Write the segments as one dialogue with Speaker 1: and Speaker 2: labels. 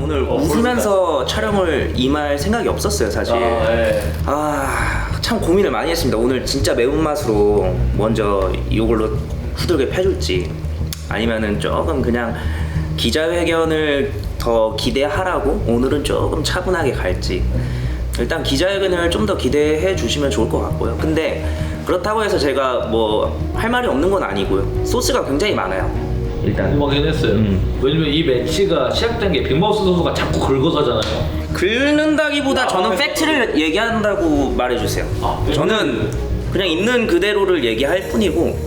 Speaker 1: 오늘 웃으면서 촬영을 임할 생각이 없었어요 사실.
Speaker 2: 네.
Speaker 1: 참 고민을 많이 했습니다. 오늘 진짜 매운맛으로 먼저 이걸로 후들게 패줄지 아니면은 조금 그냥 기자회견을 더 기대하라고 오늘은 조금 차분하게 갈지. 일단 기자회견을 좀 더 기대해 주시면 좋을 것 같고요. 근데 그렇다고 해서 제가 뭐 할 말이 없는 건 아니고요. 소스가 굉장히 많아요. 일단
Speaker 2: 궁금하긴 했어요. 왜냐면 이 매치가 시작된 게 빅마우스 선수가 자꾸 긁어가잖아요.
Speaker 1: 긁는다기보다 저는 팩트를 얘기한다고 말해주세요. 저는 그냥 있는 그대로를 얘기할 뿐이고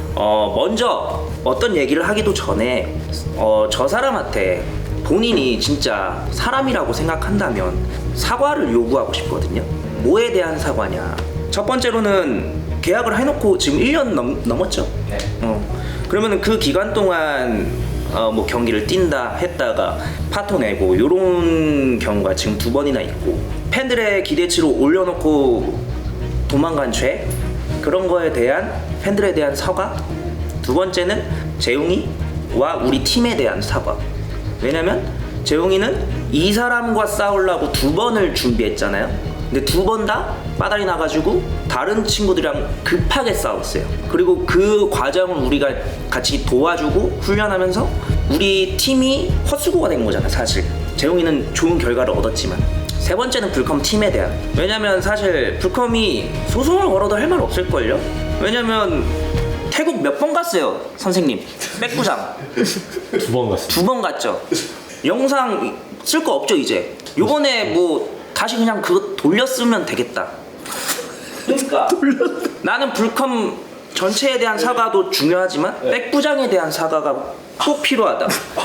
Speaker 1: 먼저 어떤 얘기를 하기도 전에 저 사람한테 본인이 진짜 사람이라고 생각한다면 사과를 요구하고 싶거든요. 뭐에 대한 사과냐. 첫 번째로는 계약을 해놓고 지금 1년 넘었죠.
Speaker 2: 네.
Speaker 1: 그러면은 그 기간 동안 뭐 경기를 뛴다 했다가 파토 내고 요런 경우가 지금 2번이나 있고 팬들의 기대치로 올려놓고 도망간 죄 그런 거에 대한 팬들에 대한 사과. 두 번째는 재웅이와 우리 팀에 대한 사과. 왜냐면 재웅이는 이 사람과 싸우려고 2번을 준비했잖아요. 근데 2번 다 빠달이 나가지고 다른 친구들이랑 급하게 싸웠어요. 그리고 그 과정을 우리가 같이 도와주고 훈련하면서 우리 팀이 헛수고가 된 거잖아 사실. 재웅이는 좋은 결과를 얻었지만. 세 번째는 불컴 팀에 대한. 왜냐면 사실 불컴이 소송을 걸어도 할 말 없을걸요? 왜냐면 태국 몇 번 갔어요 선생님. 백부장
Speaker 2: 2번 갔어요.
Speaker 1: 2번 갔죠. 영상 쓸 거 없죠 이제. 요번에 뭐 다시 그냥 그거 돌렸으면 되겠다. 그러니까 나는 불컴 전체에 대한 사과도 중요하지만 백부장에 대한 사과가 꼭 필요하다.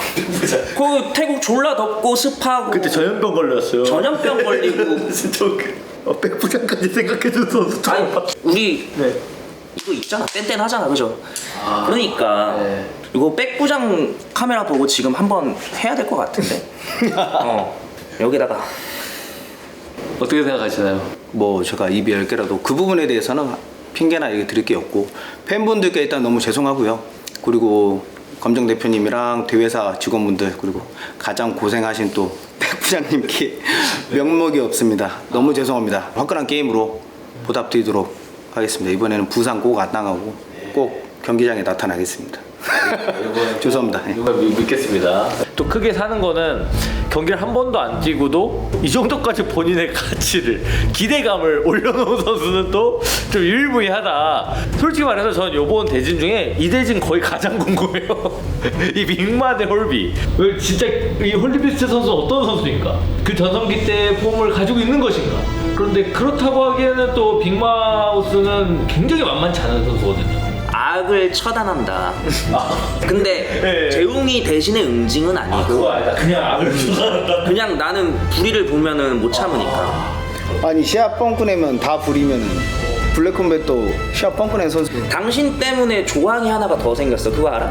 Speaker 1: 그 태국 졸라 덥고 습하고
Speaker 3: 그때 전염병 걸렸어요.
Speaker 1: 전염병 걸리고
Speaker 3: 진짜 백부장까지 생각해준 선수 처음
Speaker 1: 아니
Speaker 3: 봤어.
Speaker 1: 우리
Speaker 3: 네.
Speaker 1: 이거 있잖아 뗀뗀하잖아 그죠? 그러니까
Speaker 3: 네.
Speaker 1: 이거 백부장 카메라 보고 지금 한번 해야 될 것 같은데. 여기다가
Speaker 2: 어떻게 생각하시나요?
Speaker 3: 뭐 제가 입이 10개라도 그 부분에 대해서는 핑계나 얘기 드릴 게 없고 팬분들께 일단 너무 죄송하고요. 그리고 검정 대표님이랑 대회사 직원분들 그리고 가장 고생하신 또 백부장님께 명목이 없습니다. 너무 죄송합니다. 화끈한 게임으로 보답드리도록 하겠습니다. 이번에는 부상 꼭 안 당하고 꼭 경기장에 나타나겠습니다. 죄송합니다.
Speaker 2: 이번 믿겠습니다. 또 크게 사는 거는 경기를 한 번도 안 뛰고도 이 정도까지 본인의 가치를 기대감을 올려놓은 선수는 또 좀 유일무이하다. 솔직히 말해서 저는 이번 대진 중에 이 대진 거의 가장 궁금해요. 이 빅마 대 홀비. 왜 진짜 이 홀리비스트 선수 어떤 선수인가? 그 전성기 때 폼을 가지고 있는 것인가? 그런데 그렇다고 하기에는 또 빅마우스는 굉장히 만만치 않은 선수거든요.
Speaker 1: 악을 처단한다. 근데
Speaker 2: 네.
Speaker 1: 재웅이 대신에 응징은 아니고
Speaker 2: 아니다. 그냥 악을 추산한다.
Speaker 1: 그냥 나는 불의를 보면은 못 참으니까.
Speaker 3: 아니 시합 뻥꾸 내면 다 부리면은 블랙컴뱃도 시합 뻥꾸 낸 선수
Speaker 1: 당신 때문에 조항이 하나가 더 생겼어. 그거 알아?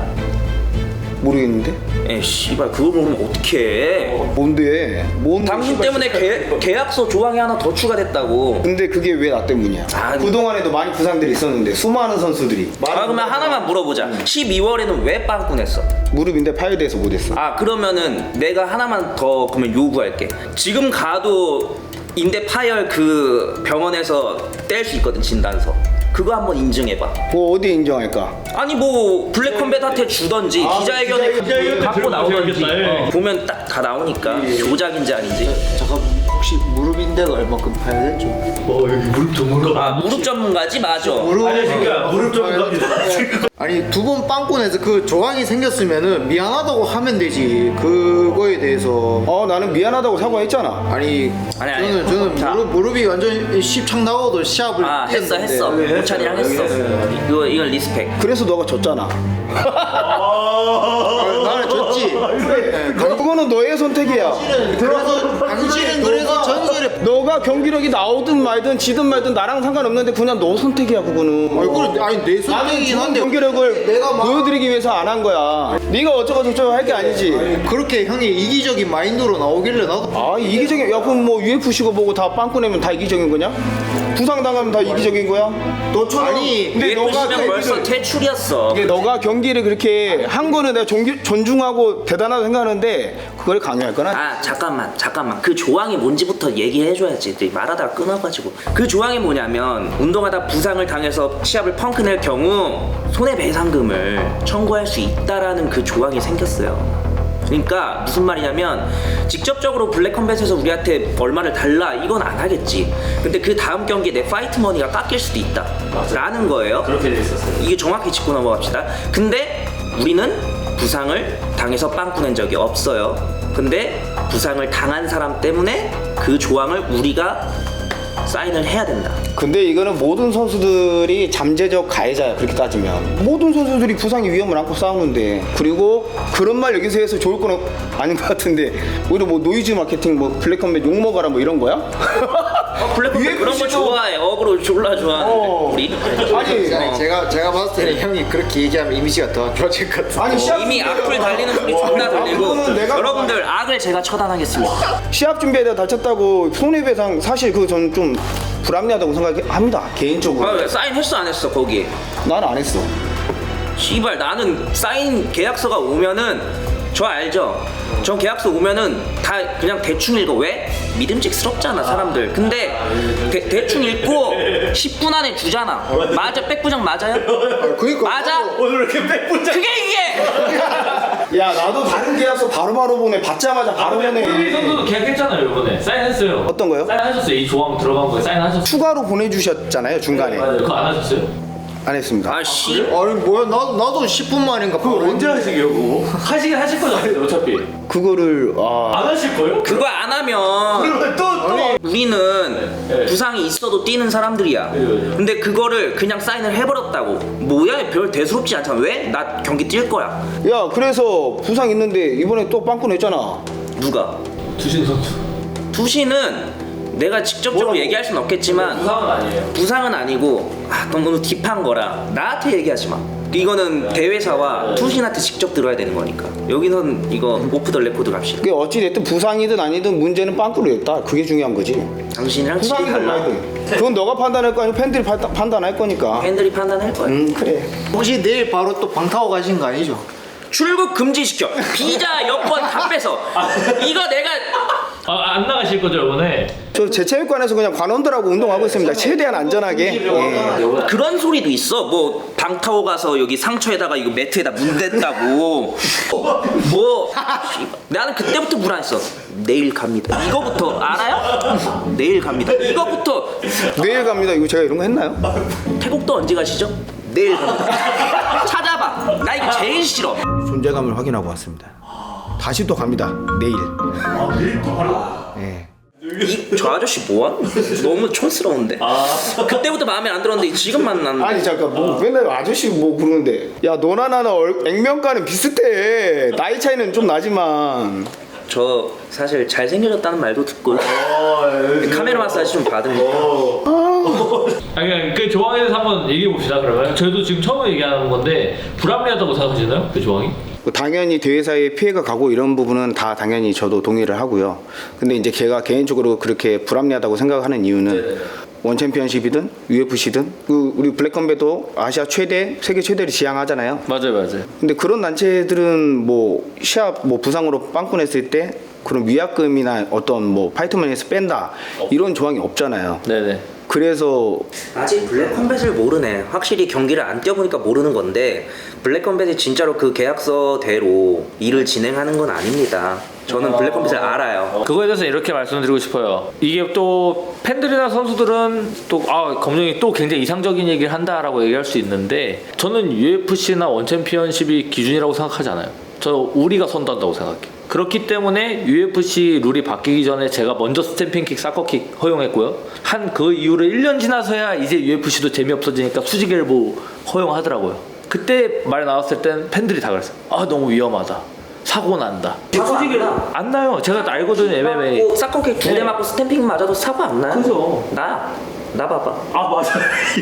Speaker 3: 모르겠는데?
Speaker 1: 에 씨발 그거 모르면 어떡해.
Speaker 3: 뭔데? 뭔
Speaker 1: 당신
Speaker 3: 씨발
Speaker 1: 때문에 계약서 조항이 하나 더 추가됐다고.
Speaker 3: 근데 그게 왜 나 때문이야?
Speaker 1: 아니.
Speaker 3: 그동안에도 많이 부상들이 있었는데 수많은 선수들이
Speaker 1: 그러면 하나만 물어보자. 12월에는 왜 빵꾸 냈어?
Speaker 3: 무릎인데 파열돼서 못했어.
Speaker 1: 그러면은 내가 하나만 더 그러면 요구할게. 지금 가도 인대 파열 그 병원에서 뗄 수 있거든 진단서. 그거 한번 인증해봐.
Speaker 3: 그거 어디 인정할까?
Speaker 1: 아니 뭐 블랙컴뱃한테 주던지 기자회견에 갖고 나오던지 보면 딱 다 나오니까 조작인지 아닌지.
Speaker 4: 잠깐 혹시 무릎인데가 얼마큼 파열됐죠?
Speaker 2: 여기 무릎 전문가.
Speaker 1: 무릎 전문가지 맞아.
Speaker 2: 무릎 전문가입니다.
Speaker 4: 아니 2번 빵꾸내서 그 조항이 생겼으면은 미안하다고 하면 되지. 그거에 대해서
Speaker 3: 나는 미안하다고 사과했잖아.
Speaker 4: 아니
Speaker 1: 아니.
Speaker 4: 저는
Speaker 1: 자.
Speaker 4: 무릎이 완전 십창 나고도 시합을
Speaker 1: 했어.
Speaker 4: 뛰었는데.
Speaker 1: 모찬이랑 했어. 이건 리스펙.
Speaker 3: 그래서 너가 졌잖아.
Speaker 4: 나는 졌지.
Speaker 3: 그거는 너의 선택이야.
Speaker 4: 그래서 당신은 그래서 전설에
Speaker 3: 너가 경기력이 나오든 말든 지든 말든 나랑 상관없는데 그냥 너 선택이야 그거는.
Speaker 4: 아니 내
Speaker 3: 나는
Speaker 4: 선택이긴
Speaker 3: 좋은
Speaker 4: 한데
Speaker 3: 경기력을
Speaker 4: 내가 막
Speaker 3: 보여드리기 위해서 안 한 거야. 네가 어쩌고 저쩌고 할 게 아니지.
Speaker 4: 그렇게 형이 이기적인 마인드로 나오길래 나도
Speaker 3: 이기적인 야 그럼 뭐 UFC고 보고 다 빵꾸 내면 다 이기적인 거냐? 부상당하면 다 이기적인 거야? 너처럼
Speaker 4: 아니,
Speaker 3: 근데 너가
Speaker 1: UFC는 벌써 퇴출이었어.
Speaker 3: 이게 너가 경기를 그렇게 한 거는 내가 존중하고 대단하다고 생각하는데 그걸 강요할 거나?
Speaker 1: 아 잠깐만 그 조항이 뭔지부터 얘기해줘야지. 말하다가 끊어가지고. 그 조항이 뭐냐면 운동하다 부상을 당해서 시합을 펑크낼 경우 손해배상금을 청구할 수 있다라는 그 조항이 생겼어요. 그러니까 무슨 말이냐면 직접적으로 블랙컴뱃에서 우리한테 얼마를 달라 이건 안 하겠지. 근데 그 다음 경기에 내 파이트 머니가 깎일 수도 있다 라는 거예요.
Speaker 2: 그렇게 돼 있었어요.
Speaker 1: 이게 정확히 짚고 넘어갑시다. 근데 우리는 부상을 당해서 빵꾸 낸 적이 없어요. 근데 부상을 당한 사람 때문에 그 조항을 우리가 사인을 해야 된다.
Speaker 3: 근데 이거는 모든 선수들이 잠재적 가해자야. 그렇게 따지면 모든 선수들이 부상의 위험을 안고 싸우는데, 그리고 그런 말 여기서 해서 좋을 건 아닌 것 같은데 오히려 뭐 노이즈 마케팅 뭐 블랙컴뱃 욕먹어라 뭐 이런 거야?
Speaker 1: 블랙컴뱃 그런 거 좋아해. 어그로 졸라 좋아하는데 우리
Speaker 3: 아니
Speaker 4: 제가 봤을 때는 형이 그렇게 얘기하면 이미지가 더 안 좋아질 것 같아.
Speaker 3: 아니 시합
Speaker 1: 이미 악플 달리는 소리 존나 들리고.
Speaker 3: 그거는 내가
Speaker 1: 여러분들 악을 제가 처단하겠습니다.
Speaker 3: 시합 준비에다 다쳤다고 손해배상 사실 그거 저는 좀 불합리하다고 생각합니다 개인적으로.
Speaker 1: 아, 사인 했어 안 했어 거기?
Speaker 3: 난 안 했어.
Speaker 1: 씨발 나는 사인 계약서가 오면은 저 알죠? 저 계약서 오면은 다 그냥 대충 읽어. 왜? 믿음직스럽잖아 사람들. 근데 대충 읽고 10분 안에 주잖아. 맞아? 백부장 맞아요?
Speaker 4: 그러니까
Speaker 1: 맞아?
Speaker 2: 오늘 이렇게 백분장.
Speaker 1: 그게 이게!
Speaker 3: 야 나도 다른 계약서 바로바로 보내. 받자마자 바로
Speaker 2: 우리
Speaker 3: 보내.
Speaker 2: 선수도 계약했잖아요 이번에. 사인했어요.
Speaker 3: 어떤 거요?
Speaker 2: 사인하셨어요. 이 조항 들어간 거에 사인하셨어요.
Speaker 3: 추가로 보내주셨잖아요 중간에.
Speaker 2: 맞아요. 그거 안 하셨어요?
Speaker 3: 안 했습니다.
Speaker 1: 아 씨.
Speaker 4: 아니 뭐야 나도 10분 만인가
Speaker 2: 그거
Speaker 4: 바로
Speaker 2: 언제 하시게요 그거? 하시긴 하실 거잖아요 어차피.
Speaker 3: 그거를
Speaker 2: 안 하실 거예요?
Speaker 1: 그거 안 하면
Speaker 2: 그러면 또
Speaker 1: 우리는
Speaker 2: 네.
Speaker 1: 부상이 있어도 뛰는 사람들이야.
Speaker 2: 네.
Speaker 1: 근데 그거를 그냥 사인을 해버렸다고. 뭐야 별 대수롭지 않잖아. 왜? 나 경기 뛸 거야.
Speaker 3: 야 그래서 부상 있는데 이번에 또 빵꾸 냈잖아.
Speaker 1: 누가?
Speaker 2: 두신 선수.
Speaker 1: 투시는 내가 직접적으로
Speaker 3: 뭐라고?
Speaker 1: 얘기할 순 없겠지만
Speaker 2: 부상은 아니에요.
Speaker 1: 부상은 아니고 너무 딥한 거라 나한테 얘기하지 마. 이거는 대회사와 투신한테 직접 들어야 되는 거니까. 여기선 이거 오프 더 레코드 갑시다.
Speaker 3: 그게 어찌됐든 부상이든 아니든 문제는 빵꾸로 냈다. 그게 중요한 거지.
Speaker 1: 당신이랑 질이
Speaker 3: 부상이든
Speaker 1: 달라.
Speaker 3: 말든 그건 너가 판단할 거 아니고 팬들이 판단할 거니까.
Speaker 1: 팬들이 판단할 거야.
Speaker 3: 그래.
Speaker 4: 혹시 내일 바로 또 방 타고 가신 거 아니죠?
Speaker 1: 출국 금지시켜. 비자 여권 다 뺏어. 이거 내가
Speaker 2: 안 나가실 거죠 이번에?
Speaker 3: 저 제체육관에서 그냥 관원들하고 운동하고 있습니다. 최대한 안전하게. 예.
Speaker 1: 그런 소리도 있어. 뭐 방 타고 가서 여기 상처에다가 이거 매트에다 문 댔다고. 뭐 나는 그때부터 불안했어. 내일 갑니다. 이거부터 알아요? 내일 갑니다. 이거부터.
Speaker 3: 내일 갑니다. 이거 제가 이런 거 했나요?
Speaker 1: 태국도 언제 가시죠? 내일 갑니다. 찾아봐. 나 이거 제일 싫어.
Speaker 3: 존재감을 확인하고 왔습니다. 다시 또 갑니다. 내일.
Speaker 2: 내일 바로?
Speaker 3: 예.
Speaker 1: 저 아저씨 뭐야? 너무 촌스러운데. 그때부터 마음에 안 들었는데 지금 만났는데.
Speaker 3: 아니 잠깐 뭐 맨날 아저씨 뭐 부르는데 야 너나 나나 액면가는 비슷해. 나이 차이는 좀 나지만.
Speaker 1: 저 사실 잘생겨졌다는 말도 듣고 카메라 마사지 좀 받으니까.
Speaker 2: 아니 그 조항에 대해서 한번 얘기해 봅시다 그러면. 저희도 지금 처음 얘기하는 건데 불합리하다고 생각하시나요? 그 조항이?
Speaker 3: 당연히 대회사에 피해가 가고 이런 부분은 다 당연히 저도 동의를 하고요. 근데 이제 제가 개인적으로 그렇게 불합리하다고 생각하는 이유는 원 챔피언십이든 UFC든 우리 블랙컴뱃도 아시아 최대, 세계 최대를 지향하잖아요.
Speaker 2: 맞아요.
Speaker 3: 근데 그런 단체들은 뭐 시합 뭐 부상으로 빵꾸 냈을 때 그런 위약금이나 어떤 뭐 파이트머니에서 뺀다 이런 조항이 없잖아요.
Speaker 2: 네네.
Speaker 3: 그래서
Speaker 1: 아직 블랙컴뱃을 모르네. 확실히 경기를 안 뛰어보니까 모르는 건데 블랙컴뱃이 진짜로 그 계약서대로 일을 진행하는 건 아닙니다. 저는 블랙컴뱃을 알아요.
Speaker 2: 그거에 대해서 이렇게 말씀드리고 싶어요. 이게 또 팬들이나 선수들은 또 검정이 또 굉장히 이상적인 얘기를 한다라고 얘기할 수 있는데 저는 UFC나 원챔피언십이 기준이라고 생각하지 않아요. 저 우리가 선도한다고 생각해요. 그렇기 때문에 UFC 룰이 바뀌기 전에 제가 먼저 스탬핑킥, 사커킥 허용했고요. 한 그 이후로 1년 지나서야 이제 UFC도 재미없어지니까 수직엘보 허용하더라고요. 그때 말 나왔을 땐 팬들이 다 그랬어요. 너무 위험하다. 사고 난다.
Speaker 1: 사고 안 나.
Speaker 2: 안 나요. 제가 알거든요, MMA.
Speaker 1: 사커킥 2대 맞고 스탬핑 맞아도 사고 안 나요.
Speaker 2: 그죠.
Speaker 1: 나. 나 봐봐.
Speaker 2: 아 맞아.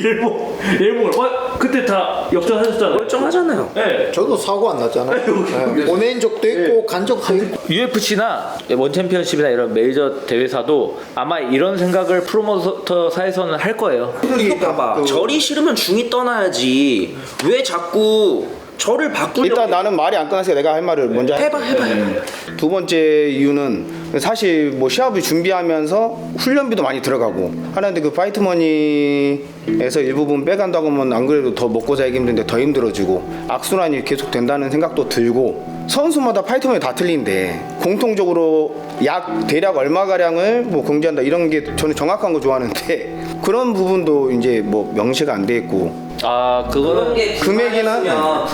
Speaker 2: 일본 그때 다 역전하셨잖아요.
Speaker 1: 멀쩡하잖아요.
Speaker 2: 네.
Speaker 4: 저도 사고 안 났잖아요. 네. 보낸 적도 있고 간 적도 있고.
Speaker 2: UFC나 원 챔피언십이나 이런 메이저 대회사도 아마 이런 생각을 프로모터사에서는 할 거예요.
Speaker 1: 이거 봐봐. 절이 싫으면 중이 떠나야지. 왜 자꾸 절을 바꾸려고?
Speaker 3: 일단 나는 말이 안 끝났으니까 내가 할 말을 먼저
Speaker 1: 해봐.
Speaker 3: 두 번째 이유는 사실 뭐 시합을 준비하면서 훈련비도 많이 들어가고 하는데 그 파이트머니에서 일부분 빼간다고 하면 안 그래도 더 먹고 살기 힘든데 더 힘들어지고 악순환이 계속 된다는 생각도 들고 선수마다 파이트머니 다 틀린데 공통적으로 약 대략 얼마가량을 뭐 공지한다 이런 게 저는 정확한 거 좋아하는데 그런 부분도 이제 뭐 명시가 안 돼 있고
Speaker 2: 아 그거는
Speaker 3: 금액이나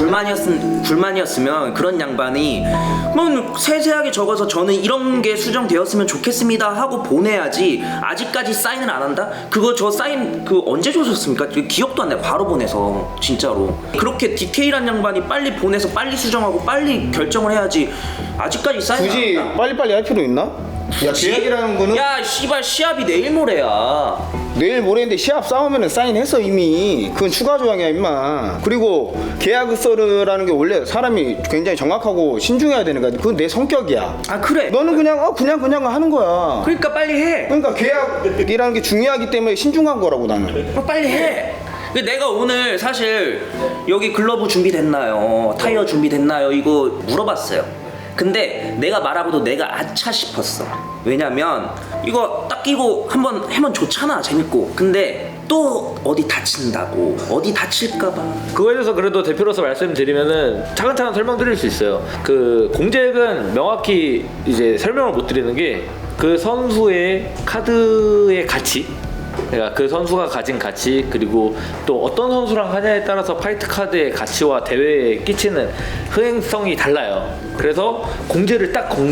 Speaker 1: 불만이었으면 그런 양반이 뭐 세세하게 적어서 저는 이런 게 수정되었으면 좋겠습니다 하고 보내야지. 아직까지 사인을 안 한다? 그거 저 사인 그 언제 줬었습니까? 기억도 안 나요. 바로 보내서 진짜로 그렇게 디테일한 양반이 빨리 보내서 빨리 수정하고 빨리 결정을 해야지. 아직까지 사인
Speaker 3: 굳이
Speaker 1: 안 한다?
Speaker 3: 빨리빨리 할 필요 있나? 야 계약이라는 거는
Speaker 1: 야 씨발 시합이 내일 모레야.
Speaker 3: 내일 모레인데 시합 싸우면은 사인했어 이미. 그건 추가 조항이야 임마. 그리고 계약서라는 게 원래 사람이 굉장히 정확하고 신중해야 되는 거야. 그건 내 성격이야.
Speaker 1: 아 그래.
Speaker 3: 너는 그냥 그냥 하는 거야.
Speaker 1: 그러니까 빨리 해.
Speaker 3: 그러니까 계약이라는 게 중요하기 때문에 신중한 거라고 나는.
Speaker 1: 빨리 해. 내가 오늘 사실 여기 글러브 준비됐나요? 타이어 준비됐나요? 이거 물어봤어요. 근데 내가 말하고도 내가 아차 싶었어. 왜냐면 이거 딱 끼고 한번 하면 좋잖아. 재밌고. 근데 또 어디 다친다고. 어디 다칠까봐.
Speaker 2: 그거에 대해서 그래도 대표로서 말씀드리면은 차근차근 설명드릴 수 있어요. 그 공잭은 명확히 이제 설명을 못 드리는 게 그 선수의 카드의 가치, 그러니까 그 선수가 가진 가치, 그리고 또 어떤 선수랑 하냐에 따라서 파이트 카드의 가치와 대회에 끼치는 흥행성이 달라요. 그래서 공잭을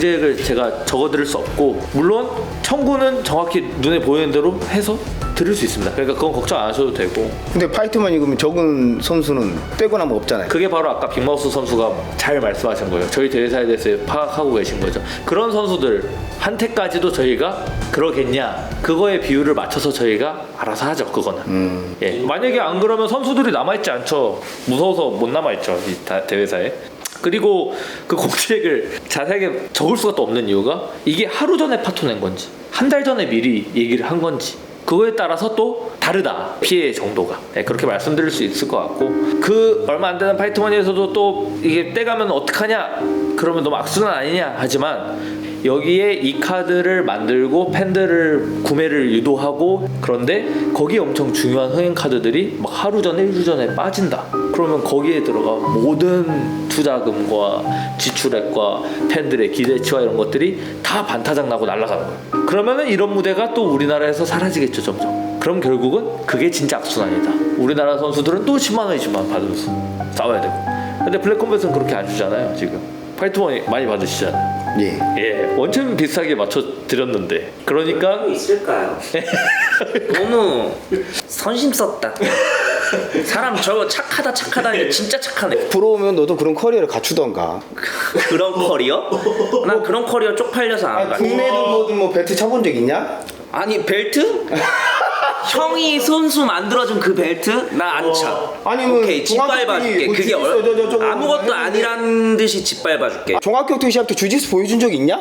Speaker 2: 제가 적어드릴 수 없고, 물론 청구는 정확히 눈에 보이는 대로 해서 드릴 수 있습니다. 그러니까 그건 걱정 안 하셔도 되고. 근데
Speaker 3: 파이트머니 그러면 적은 선수는 빼고 나면 없잖아요.
Speaker 2: 그게 바로 아까 빅마우스 선수가 잘 말씀하신 거예요. 저희 대회사에 대해서 파악하고 계신 거죠. 그런 선수들 한테까지도 저희가 그러겠냐, 그거에 비율을 맞춰서 저희가 알아서 하죠. 그거는. 예. 만약에 안 그러면 선수들이 남아있지 않죠. 무서워서 못 남아있죠, 이 대회사에. 그리고 그 공책을 자세하게 적을 수가 또 없는 이유가 이게 하루 전에 파토 낸 건지 한 달 전에 미리 얘기를 한 건지 그거에 따라서 또 다르다, 피해 정도가. 네, 그렇게 말씀드릴 수 있을 것 같고, 그 얼마 안 되는 파이트머니에서도 또 이게 떼가면 어떡하냐, 그러면 너무 악순환 아니냐 하지만 여기에 이 카드를 만들고 팬들을 구매를 유도하고, 그런데 거기에 엄청 중요한 흥행 카드들이 막 하루 전에 일주 전에 빠진다. 그러면 거기에 들어가 모든 투자금과 지출액과 팬들의 기대치와 이런 것들이 다 반타작 나고 날아가는 거예요. 그러면은 이런 무대가 또 우리나라에서 사라지겠죠, 점점. 그럼 결국은 그게 진짜 악순환이다. 우리나라 선수들은 또 10만 원, 20만 원 받으면서 싸워야 되고. 근데 블랙컴뱃은 그렇게 안 주잖아요, 지금. 파이트머니 많이 받으시잖아요. 예, 원천 비슷하게 맞춰 드렸는데. 그러니까
Speaker 1: 있을까요? 너무 선심 썼다. 사람 저거 착하다 이게 진짜 착하네.
Speaker 3: 부러우면 너도 그런 커리어를 갖추던가.
Speaker 1: 그런 커리어? 난 그런 커리어 쪽팔려서 안 가.
Speaker 3: 국내든 뭐든 뭐 벨트 쳐본 적 있냐?
Speaker 1: 아니 벨트? 형이 선수 만들어준 그 벨트? 나 안 차.
Speaker 3: 아니면
Speaker 1: 오케이 짓밟아줄게. 그게 아무것도 아니란 듯이 짓밟아줄게.
Speaker 3: 종합격 때 시합 때 주짓수 보여준 적 있냐?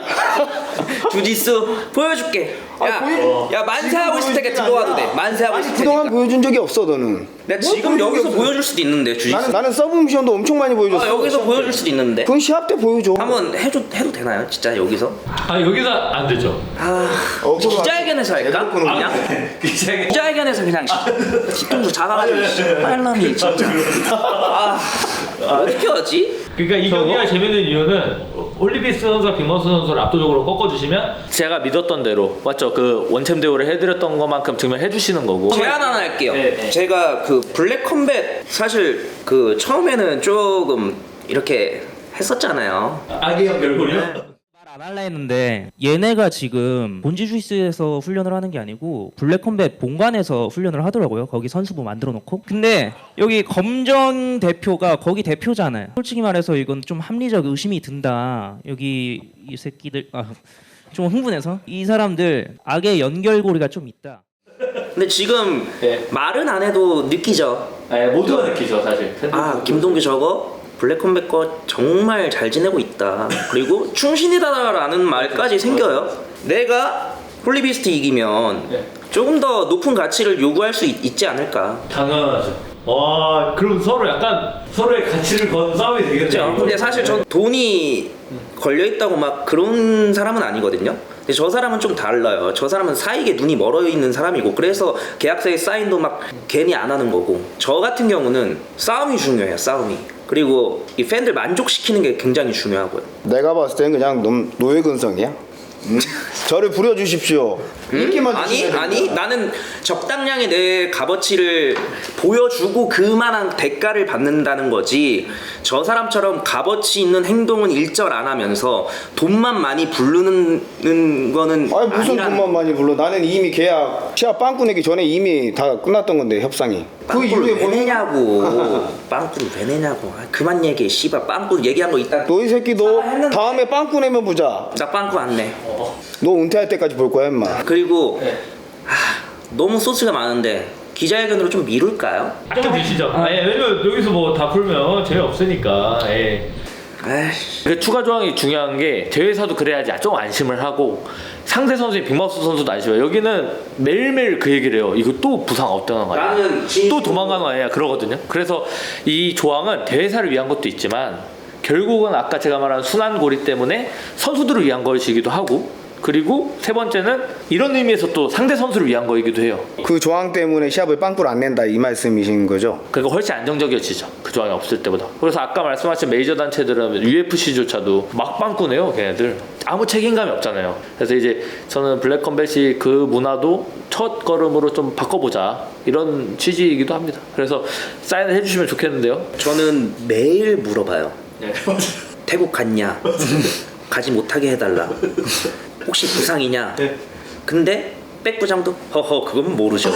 Speaker 1: 주짓수 보여줄게. 야 만세하고 있을 테니까 들어와도 돼. 만세하고 있을
Speaker 3: 그동안
Speaker 1: 테니까.
Speaker 3: 보여준 적이 없어 너는.
Speaker 1: 내가 지금 여기서 보여줄 수도 있는데 주짓수.
Speaker 3: 나는 서브미션도 엄청 많이 보여줬어.
Speaker 1: 여기서 보여줄 수도 있는데.
Speaker 3: 그건 시합 때 보여줘.
Speaker 1: 한번 해도 되나요? 진짜 여기서?
Speaker 2: 아 여기서 안 되죠.
Speaker 1: 기자회견에서 할까? 그냥? 기자회견에서 그냥 뒤통수 잡아가지고 빨람이 진짜. 어떻게 하지?
Speaker 2: 그러니까 이 경기가 재밌는 이유는 홀리비스 선수와 빅마우스 선수를 압도적으로 꺾어주시면 제가 믿었던 대로, 맞죠? 그 원챔 대우를 해드렸던 것만큼 증명해 주시는 거고.
Speaker 1: 제안 하나 할게요.
Speaker 2: 네.
Speaker 1: 제가 그 블랙 컴뱃 사실 그 처음에는 조금 이렇게 했었잖아요.
Speaker 2: 악의 결국요?
Speaker 5: 말 안 할라 했는데 얘네가 지금 본지 주이스에서 훈련을 하는 게 아니고 블랙컴뱃 본관에서 훈련을 하더라고요. 거기 선수부 만들어 놓고. 근데 여기 검정 대표가 거기 대표잖아요. 솔직히 말해서 이건 좀 합리적 의심이 든다. 여기 이 새끼들 좀 흥분해서 이 사람들 악의 연결고리가 좀 있다.
Speaker 1: 근데 지금
Speaker 2: 네.
Speaker 1: 말은 안 해도 느끼죠.
Speaker 2: 네, 모두가 느끼죠 사실.
Speaker 1: 아 김동규 저거 블랙컴백 거 정말 잘 지내고 있다. 그리고 충신이다라는 말까지 생겨요. 내가 홀리비스트 이기면
Speaker 2: 네.
Speaker 1: 조금 더 높은 가치를 요구할 수 있지 않을까.
Speaker 2: 당연하죠. 와, 그럼 서로 약간 서로의 가치를 건 싸움이 되겠네요.
Speaker 1: 그렇죠. 근데 사실 전 돈이 걸려 있다고 막 그런 사람은 아니거든요. 근데 저 사람은 좀 달라요. 저 사람은 사익에 눈이 멀어 있는 사람이고 그래서 계약서에 사인도 막 괜히 안 하는 거고. 저 같은 경우는 싸움이 중요해요. 싸움이. 그리고 이 팬들 만족시키는 게 굉장히 중요하고요.
Speaker 3: 내가 봤을 때는 그냥 노예 근성이야. 저를 부려주십시오. 인기만
Speaker 1: 아니
Speaker 3: 주시면
Speaker 1: 아니
Speaker 3: 됩니다.
Speaker 1: 나는 적당량의 내 값어치를 보여주고 그만한 대가를 받는다는 거지. 저 사람처럼 값어치 있는 행동은 일절 안 하면서 돈만 많이 부르는 거는
Speaker 3: 아니 무슨
Speaker 1: 아니라는
Speaker 3: 돈만 많이 불러. 나는 이미 계약 시합 빵꾸 내기 전에 이미 다 끝났던 건데 협상이. 그
Speaker 1: 빵꾸를
Speaker 3: 이후에
Speaker 1: 왜
Speaker 3: 뭐
Speaker 1: 내냐고. 빵꾸를 왜 내냐고. 아, 그만 얘기해. 씨발 빵꾸 얘기한 거 이따.
Speaker 3: 너 이 새끼 너
Speaker 1: 했는데.
Speaker 3: 다음에 빵꾸 내면 보자.
Speaker 1: 나 빵꾸 안 내.
Speaker 3: 너 은퇴할 때까지 볼 거야 임마.
Speaker 1: 그리고
Speaker 2: 네.
Speaker 1: 너무 소스가 많은데 기자회견으로 좀 미룰까요?
Speaker 2: 좀 드시죠. 예, 왜냐면 여기서 뭐 다 풀면 재미없으니까. 예.
Speaker 1: 아이씨.
Speaker 2: 그 추가 조항이 중요한 게 대회에서도 그래야지 좀 안심을 하고 상대 선수인 빅마우스 선수도 안심해요. 여기는 매일매일 그 얘기를 해요. 이거 또 부상 없다는 거 아니야?
Speaker 1: 나는
Speaker 2: 또 도망가는 거 아니야? 그러거든요. 그래서 이 조항은 대회사를 위한 것도 있지만 결국은 아까 제가 말한 순환고리 때문에 선수들을 위한 것이기도 하고 그리고 세 번째는 이런 의미에서 또 상대 선수를 위한 거이기도 해요.
Speaker 3: 그 조항 때문에 시합을 빵꾸를 안 낸다 이 말씀이신 거죠?
Speaker 2: 그러니까 훨씬 안정적이어지죠. 그 조항이 없을 때보다. 그래서 아까 말씀하신 메이저 단체들은 UFC조차도 막 빵꾸네요. 걔네들. 아무 책임감이 없잖아요. 그래서 이제 저는 블랙컴뱃이 그 문화도 첫 걸음으로 좀 바꿔보자 이런 취지이기도 합니다. 그래서 사인을 해주시면 좋겠는데요.
Speaker 1: 저는 매일 물어봐요.
Speaker 2: 네.
Speaker 1: 태국 갔냐? 가지 못하게 해달라. 혹시 부상이냐? 근데 백부장도 허허 그건 모르죠.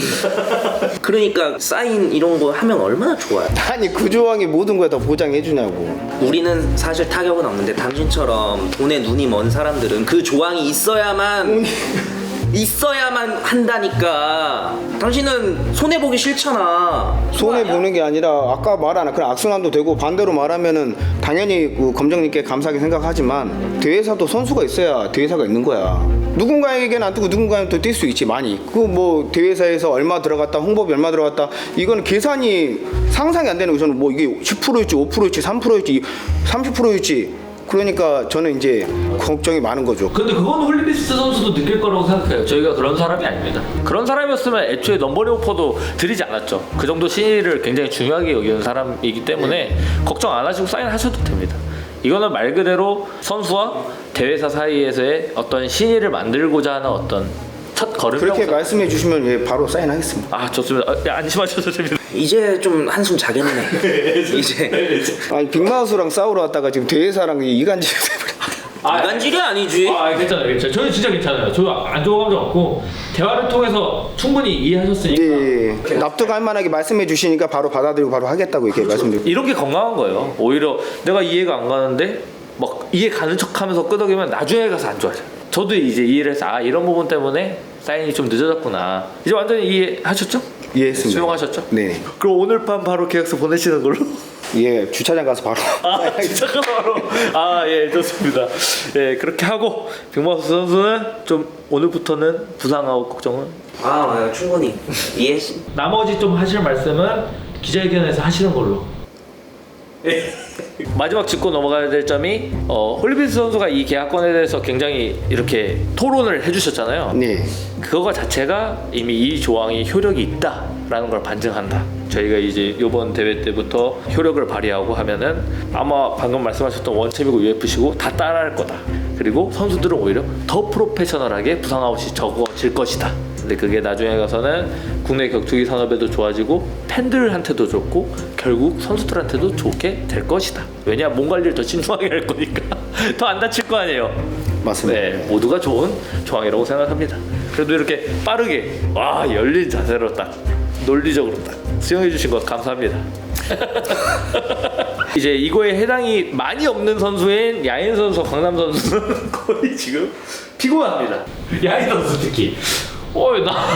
Speaker 1: 그러니까 사인 이런 거 하면 얼마나 좋아요.
Speaker 3: 아니 그 조항이 모든 걸 다 보장해 주냐고.
Speaker 1: 우리는 사실 타격은 없는데 당신처럼 돈에 눈이 먼 사람들은 그 조항이 있어야만 한다니까. 당신은 손해 보기 싫잖아.
Speaker 3: 손해 보는 게 아니라 아까 말한 그런 악순환도 되고 반대로 말하면은 당연히 그 검정님께 감사하게 생각하지만 대회사도 선수가 있어야 대회사가 있는 거야. 누군가에게는 안 뜨고 누군가는 또 뛸 수 있지 많이. 그 뭐 대회사에서 얼마 들어갔다 홍보비 얼마 들어갔다 이거는 계산이 상상이 안 되는 거. 저는 뭐 이게 10%일지 5%일지 3%일지 30%일지 그러니까 저는 이제 걱정이 많은 거죠.
Speaker 2: 근데 그건 홀리비스트 선수도 느낄 거라고 생각해요. 저희가 그런 사람이 아닙니다. 그런 사람이었으면 애초에 넘버링 오퍼도 드리지 않았죠. 그 정도 신의를 굉장히 중요하게 여기는 사람이기 때문에 걱정 안 하시고 사인하셔도 됩니다. 이거는 말 그대로 선수와 대회사 사이에서의 어떤 신의를 만들고자 하는 어떤 첫 걸음이라고
Speaker 3: 그렇게
Speaker 2: 생각-
Speaker 3: 말씀해 주시면 예, 바로 사인하겠습니다.
Speaker 2: 아 좋습니다. 안심하셔도 됩니다.
Speaker 1: 이제 좀 한숨 자겠네. 이제
Speaker 3: 아니 빅마우스랑 싸우러 왔다가 지금 대회사랑 이간질
Speaker 1: 이간질이 아니지.
Speaker 2: 괜찮아요. 저는 진짜 괜찮아요. 저 안 좋은 감정 없고 대화를 통해서 충분히 이해하셨으니까
Speaker 3: 예, 납득할 만하게 말씀해 주시니까 바로 받아들이고 바로 하겠다고 이렇게 말씀드리고.
Speaker 2: 이런 게 건강한 거예요. 오히려 내가 이해가 안 가는데 막 이해 가는 척하면서 끄덕이면 나중에 가서 안 좋아져. 저도 이제 이해를 해서 아 이런 부분 때문에 사인이 좀 늦어졌구나. 이제 완전히 이해하셨죠?
Speaker 3: 이해했습니다.
Speaker 2: 수용하셨죠?
Speaker 3: 네.
Speaker 2: 그럼 오늘 밤 바로 계약서 보내시는 걸로?
Speaker 3: 예, 주차장 가서 바로.
Speaker 2: 진짜 바로. 예 좋습니다. 예 그렇게 하고 빅마우스 선수는 좀 오늘부터는 부상하고 걱정은
Speaker 1: 아 충분히 이해했어.
Speaker 2: 나머지 좀 하실 말씀은 기자회견에서 하시는 걸로. 마지막 짚고 넘어가야 될 점이 홀리비스 선수가 이 계약권에 대해서 굉장히 이렇게 토론을 해주셨잖아요.
Speaker 3: 네.
Speaker 2: 그거 자체가 이미 이 조항이 효력이 있다라는 걸 반증한다. 저희가 이제 이번 대회 때부터 효력을 발휘하고 하면은 아마 방금 말씀하셨던 원챔이고 UFC고 다 따라할 거다. 그리고 선수들은 오히려 더 프로페셔널하게 부상아웃이 적어질 것이다. 근데 그게 나중에 가서는 국내 격투기 산업에도 좋아지고 팬들한테도 좋고 결국 선수들한테도 좋게 될 것이다. 왜냐 몸 관리를 더 신중하게 할 거니까 더 안 다칠 거 아니에요.
Speaker 3: 맞습니다.
Speaker 2: 네, 모두가 좋은 조항이라고 생각합니다. 그래도 이렇게 빠르게 열린 자세로 딱 논리적으로 딱 수용해 주신 것 감사합니다. 이제 이거에 해당이 많이 없는 선수인 야인 선수, 강남 선수는 거의 지금 피곤합니다. 야인 선수 특히. 나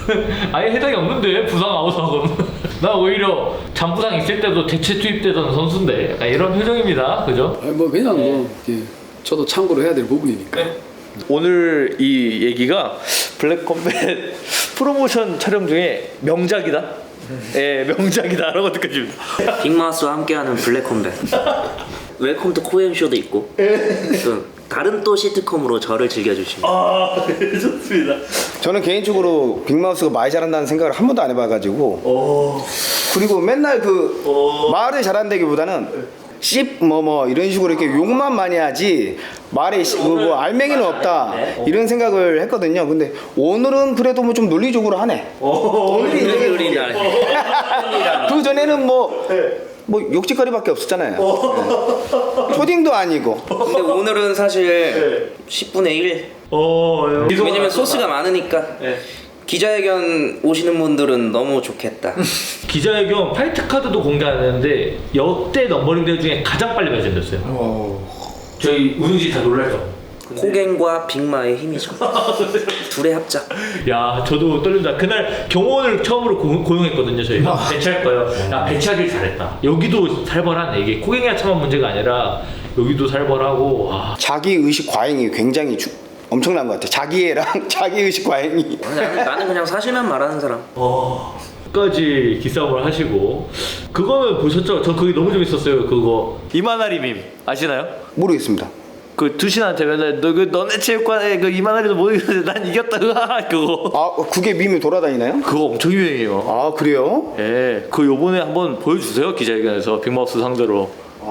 Speaker 2: 아예 해당이 없는데 부상 아웃하고는. 나 오히려 잔부상 있을 때도 대체 투입되던 선수인데 약간 이런 표정입니다. 그죠?
Speaker 6: 뭐 그냥 뭐 예, 저도 참고로 해야 될 부분이니까.
Speaker 2: 오늘 이 얘기가 블랙컴뱃 프로모션 촬영 중에 명작이다. 예, 명작이다라고 느껴집니다.
Speaker 1: 빅마우스와 함께하는 블랙컴뱃. 웰컴 투 코엔쇼도 있고 또 다른 또 시트콤으로 저를 즐겨주십니다.
Speaker 2: 아, 좋습니다.
Speaker 3: 저는 개인적으로 빅마우스가 말 잘한다는 생각을 한 번도 안 해봐가지고 그리고 맨날 그 말을 잘한다기보다는 씹 뭐 이런 식으로 이렇게 욕만 많이 하지 말에 뭐 알맹이는 없다 이런 생각을 했거든요. 근데 오늘은 그래도 뭐 좀 논리적으로 하네.
Speaker 1: 오늘이 날.
Speaker 3: 그 전에는 뭐 욕짓거리밖에 없었잖아요. 네. 초딩도 아니고.
Speaker 1: 근데 오늘은 사실 10분의 1. 왜냐면 소스가 많으니까. 기자회견 오시는 분들은 너무 좋겠다.
Speaker 2: 기자회견 파이트 카드도 공개하는데 역대 넘버링 대회 중에 가장 빨리 발전됐어요. 저희 우승지 다 놀랄 거.
Speaker 1: 코갱과 빅마의 힘이죠. 둘의 합작.
Speaker 2: 야, 저도 떨린다. 그날 경호원을 처음으로 고용했거든요, 저희가. 배치할 거예요. 야, 배치하길 잘했다. 여기도 살벌하네. 이게 코갱이가 참한 문제가 아니라 여기도 살벌하고. 와.
Speaker 3: 자기 의식 과잉이 굉장히 엄청난 것 같아. 자기애랑 자기 의식 과잉이.
Speaker 1: 나는 그냥 사실만 말하는 사람.
Speaker 2: 끝까지 기싸움을 하시고. 그거는 보셨죠? 저 그게 너무 재밌었어요. 그거 이만하리 밈 아시나요?
Speaker 3: 모르겠습니다.
Speaker 2: 그 두신한테 맨날 너네 체육관에 그 이만하리도 못 이겼는데 난 이겼다. 으아, 그거.
Speaker 3: 아 그게 밈이 돌아다니나요?
Speaker 2: 그거 엄청 유행해요.
Speaker 3: 아 그래요?
Speaker 2: 예, 그 요번에 한번 보여주세요, 기자회견에서 빅마우스 상대로.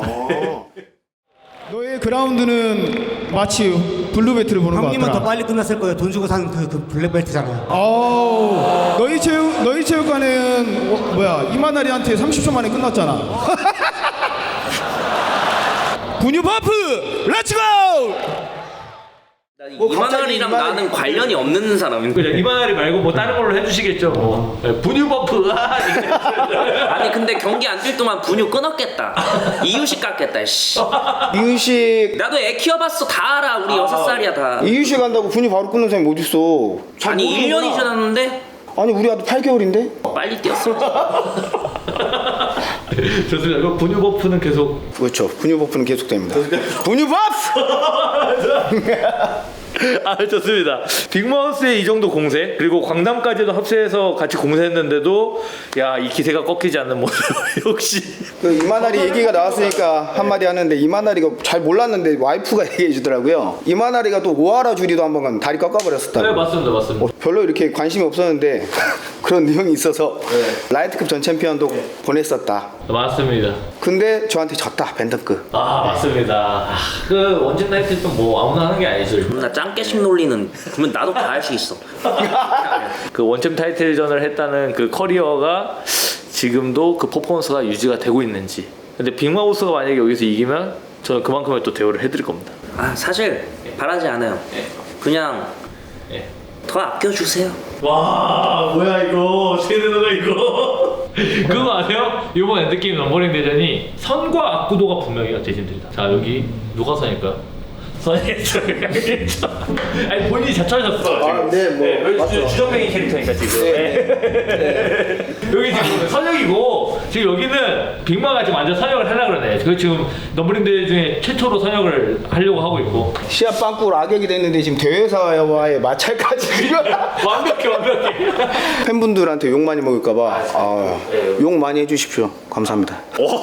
Speaker 7: 너의 그라운드는 마치 블루벨트를 보는 것
Speaker 8: 형님은
Speaker 7: 같더라.
Speaker 8: 더 빨리 끝났을 거예요. 돈 주고 산 그 블랙벨트잖아요.
Speaker 7: 아우, 너희 체육관은 이만하리한테 30초 만에 끝났잖아. 분유 버프, 렛츠고!
Speaker 1: 이만할이랑 나는 관련이 없는 사람인데.
Speaker 2: 그죠? 이만하리 말고 뭐 다른 걸로 해주시겠죠. 뭐 분유 버프.
Speaker 1: 아니 근데 경기 안 뛸 동안 분유 끊었겠다. 이유식 깎겠다. 씨.
Speaker 3: 이유식
Speaker 1: 나도 애 키워봤어. 다 알아. 우리 6살이야 다.
Speaker 3: 이유식 한다고 분이 바로 끊는 사람이 어딨어? 잘
Speaker 1: 아니
Speaker 3: 모르는구나.
Speaker 1: 1년이 지났는데
Speaker 3: 아니 우리 아들 8개월인데?
Speaker 1: 빨리 뛰었어.
Speaker 2: 좋습니다. 그 분유 버프는 계속.
Speaker 3: 그렇죠. 분유 버프는 계속됩니다. 분유 버프!
Speaker 2: 아, 좋습니다. 빅마우스의 이 정도 공세, 그리고 광담까지도 합세해서 같이 공세했는데도 야, 이 기세가 꺾이지 않는 모습. 역시.
Speaker 3: 그 이만하리 얘기가 나왔으니까 한마디 하는데 이만하리가 잘 몰랐는데 와이프가 얘기해 주더라고요. 이만하리가 또 오하라 주리도 한번 다리 꺾어버렸었다고.
Speaker 2: 네, 맞습니다.
Speaker 3: 별로 이렇게 관심이 없었는데 그런 내용이 있어서 라이트급 전 챔피언도 보냈었다.
Speaker 2: 맞습니다.
Speaker 3: 근데 저한테 졌다 밴드급.
Speaker 2: 아, 맞습니다. 그 원진 나이트는 뭐 아무나 하는 게 아니죠.
Speaker 1: 나 짱깨식 논리는 그러면 나도 다 할 수 있어.
Speaker 2: 그 원챔 타이틀전을 했다는 그 커리어가 지금도 그 퍼포먼스가 유지가 되고 있는지. 근데 빅마우스가 만약에 여기서 이기면 저는 그만큼의 또 대우를 해드릴 겁니다.
Speaker 1: 아 사실 바라지 않아요. 그냥 더 아껴주세요.
Speaker 2: 와, 뭐야 이거 어떻게 되는 거야 이거. 그거 아세요? 이번 엔드게임 넘버링 대전이 선과 악구도가 분명해요, 대진들이다. 자, 여기 누가 선일까요? 선이겠죠. 아니 본인이 자처하셨어.
Speaker 3: 아, 네, 뭐, 맞죠.
Speaker 2: 주정뱅이 캐릭터니까 지금. 여기 지금 선역이고 지금 여기는 빅마가 지금 완전 선역을 하려고 그러네. 그 지금 넘버링 대회 중에 최초로 선역을 하려고 하고 있고.
Speaker 3: 시합 빵꾸로 악역이 됐는데 지금 대회사와의 마찰까지
Speaker 2: 완벽해.
Speaker 3: 팬분들한테 욕 많이 먹을까봐 욕 많이 해주십시오. 감사합니다.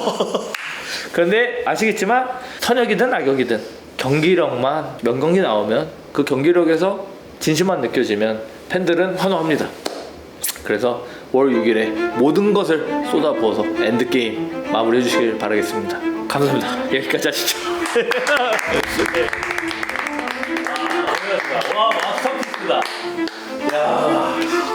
Speaker 2: 그런데 아시겠지만 선역이든 악역이든 경기력만 명경기 나오면 그 경기력에서 진심만 느껴지면 팬들은 환호합니다. 그래서 월 6일에 모든 것을 쏟아부어서 엔드게임 마무리해 주시길 바라겠습니다. 감사합니다. 여기까지 하시죠. 와, 마스터피스다. 야.